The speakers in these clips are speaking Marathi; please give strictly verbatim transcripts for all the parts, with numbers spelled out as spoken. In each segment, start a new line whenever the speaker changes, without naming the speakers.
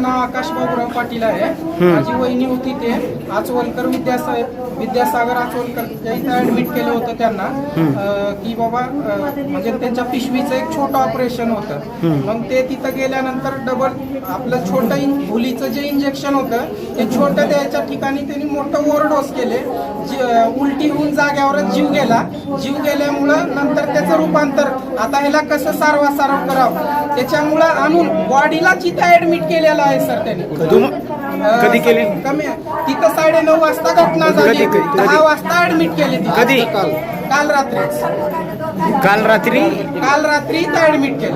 माझं नाव आकाश बाबूराव पाटील आहे. माझी वहिनी होती ते आचवलकर विद्यासा विद्यासागर आचवलकर या इथं ऍडमिट केलं होतं त्यांना की बाबा म्हणजे त्यांच्या पिशवीचं एक छोटं ऑपरेशन होतं. मग ते तिथं गेल्यानंतर डबल आपलं छोटं भुलीचं जे इंजेक्शन होतं ते छोटं द्यायच्या ठिकाणी त्यांनी मोठं ओव्हरडोस केले. उलटी होऊन जाग्यावरच जीव गेला. जीव गेल्यामुळं नंतर त्याचं रूपांतर आता ह्याला कसं सारवा सारव करावं त्याच्यामुळं आणून बॉडीला तिथं ऍडमिट केलेला आहे सर त्यांनी.
कधी केली?
कमी तिथं साडे नऊ वाजता घटना झाली. दहा वाजता ऍडमिट केली.
कधी?
काल काल रात्री
काल रात्री
काल रात्री इथं ऍडमिट केले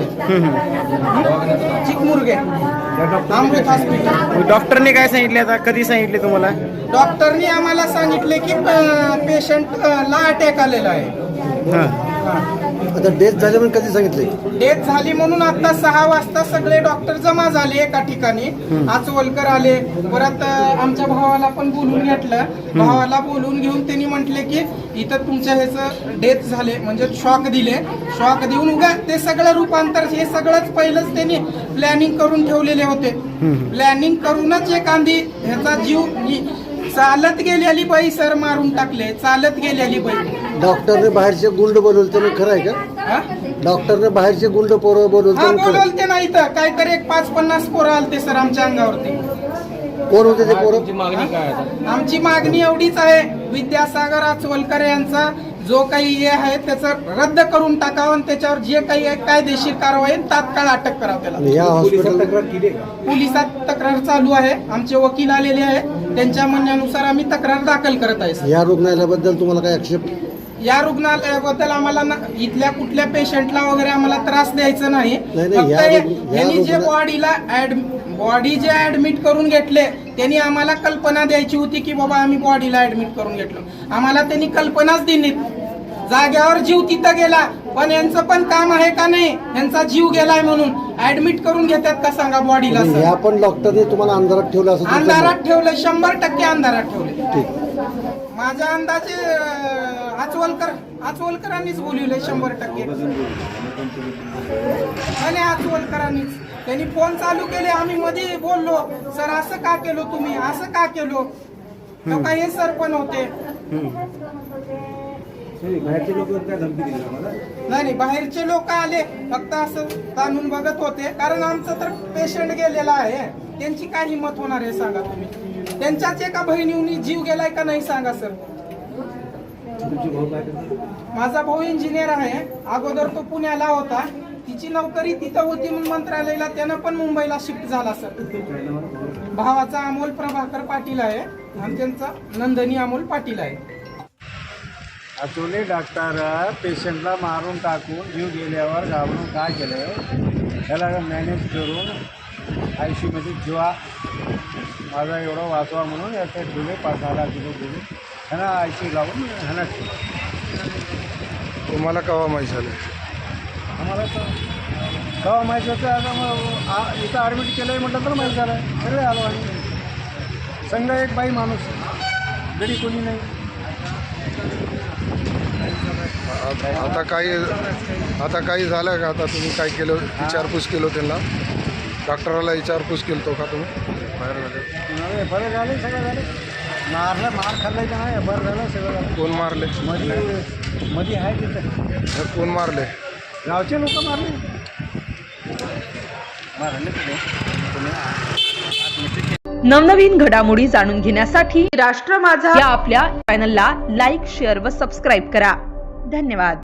चिकमुरगे अमृत हॉस्पिटल.
डॉक्टरने काय सांगितले आता? कधी सांगितले तुम्हाला?
डॉक्टरनी आम्हाला सांगितले की पेशंट ला अटॅक आलेला आहे.
आता डेथ झाली म्हणून कधी सांगितले?
डेथ झाली म्हणून आता सहा वाजता सगळे डॉक्टर जमा झाले एका ठिकाणी. आचवलकर आले. परत आमच्या भावाला पण बोलून घेतलं. भावाला बोलून घेऊन त्यांनी म्हटले की इथं तुमच्या ह्याचं डेथ झाले म्हणजे शॉक दिले. शॉक देऊन उगा ते सगळं रूपांतर हे सगळंच पहिलंच त्यांनी प्लॅनिंग करून ठेवलेले होते. प्लॅनिंग करूनच एखादी ह्याचा जीव चालत गेलेली बाई सर मारून टाकले. चालत गेलेली बाई.
डॉक्टरने बाहेरचे गुंड बोलवले तर खरं आहे का? डॉक्टरने बाहेरचे गुंड पोरं बोलवले
बोलवते ना इथं काहीतरी एक पाच पन्नास पोरं आलते सर आमच्या अंगावरती.
कोण होते ते पोरं?
मागणी काय?
आमची मागणी एवढीच आहे विद्यासागर आचवलकर यांचा जो काही हे आहे त्याचं रद्द करून टाकावं आणि त्याच्यावर जे काही कायदेशीर कारवाई तात्काळ अटक करावं त्याला.
या हॉस्पिटल
पोलिसात तक्रार चालू आहे. आमचे वकील आलेले आहे. त्यांच्या म्हणण्यानुसार आम्ही तक्रार दाखल करत आहे.
या रुग्णालयाबद्दल तुम्हाला काय आक्षेप?
या रुग्णालयाबद्दल आम्हाला इथल्या कुठल्या पेशंटला वगैरे आम्हाला त्रास द्यायचा नाही. फक्त यांनी जे बॉडीला बॉडी जे ऍडमिट करून घेतले त्यांनी आम्हाला कल्पना द्यायची होती की बाबा आम्ही बॉडीला ऍडमिट करून घेतलो. आम्हाला त्यांनी कल्पनाच दिली. जाग्यावर जीव तिथं गेला पण यांचं पण काम आहे का नाही? यांचा जीव गेलाय म्हणून ऍडमिट करून घेतात का सांगा बॉडीला?
या पण डॉक्टरने तुम्हाला अंधारात ठेवलं असं?
अंधारात ठेवलं. शंभर टक्के अंधारात ठेवले. माझ्या अंदाजे आचवलकर आचवलकरांनीच बोलवले शंभर टक्के. आणि आचवलकरांनीच त्यांनी फोन चालू केले. आम्ही मध्ये बोललो सर असं का केलो तुम्ही असं का केलो तो काही हे सर पण होते. नाही नाही बाहेरचे लोक आले फक्त असं ताणून बघत होते कारण आमचं तर पेशंट गेलेला आहे. त्यांची काय हिंमत होणार आहे सांगा तुम्ही? त्यांच्याच एका बहिणीने जीव गेलाय का नाही सांगा सर? माझा भाऊ इंजिनियर आहे. अगोदर तो पुण्याला होता. तिची नोकरी तिथं होती म्हणून मंत्रालयाला त्यानं पण मुंबईला शिफ्ट झाला सर. भावाचा अमोल प्रभाकर पाटील आहे आणि त्यांचा नंदनी अमोल पाटील आहे.
आचवले डॉक्टर पेशंटला मारून टाकून जीव गेल्यावर घाबरून काय केलं त्याला मॅनेज करून आय सी यूमध्ये जेव्हा माझा एवढा वाचवा म्हणून याचे दिले पाच सहा लाख रुपये दिले ह्यांना आय सी लावून ह्यांना
तुम्हाला केव्हा माहीत झालं?
आम्हाला तर केव्हा माहीत होतं आता मग इथं ॲडमिट केलं आहे म्हटलं तर माहीत झालं. सगळे आलो आणि संघ एक बाई माणूस गडी कोणी नाही.
आता काही आता काही झालं का? आता तुम्ही काय केलं? विचारपूस केलं त्यांना? डॉक्टराला विचारपूस केलं का तुम्ही? बाहेर झाले
बरं झाले सगळं झालं. मारलं मार खाल्लं का नाही बरं झालं सगळं झालं.
कोण मारले?
मध्ये मध्ये आहे तिथं.
कोण मारले?
गावचे लोक मारले मारले
नवनवीन घडामोडी जाणून घेण्यासाठी राष्ट्र माझा या आपल्या चॅनलला लाईक, शेअर व सबस्क्राईब करा. धन्यवाद.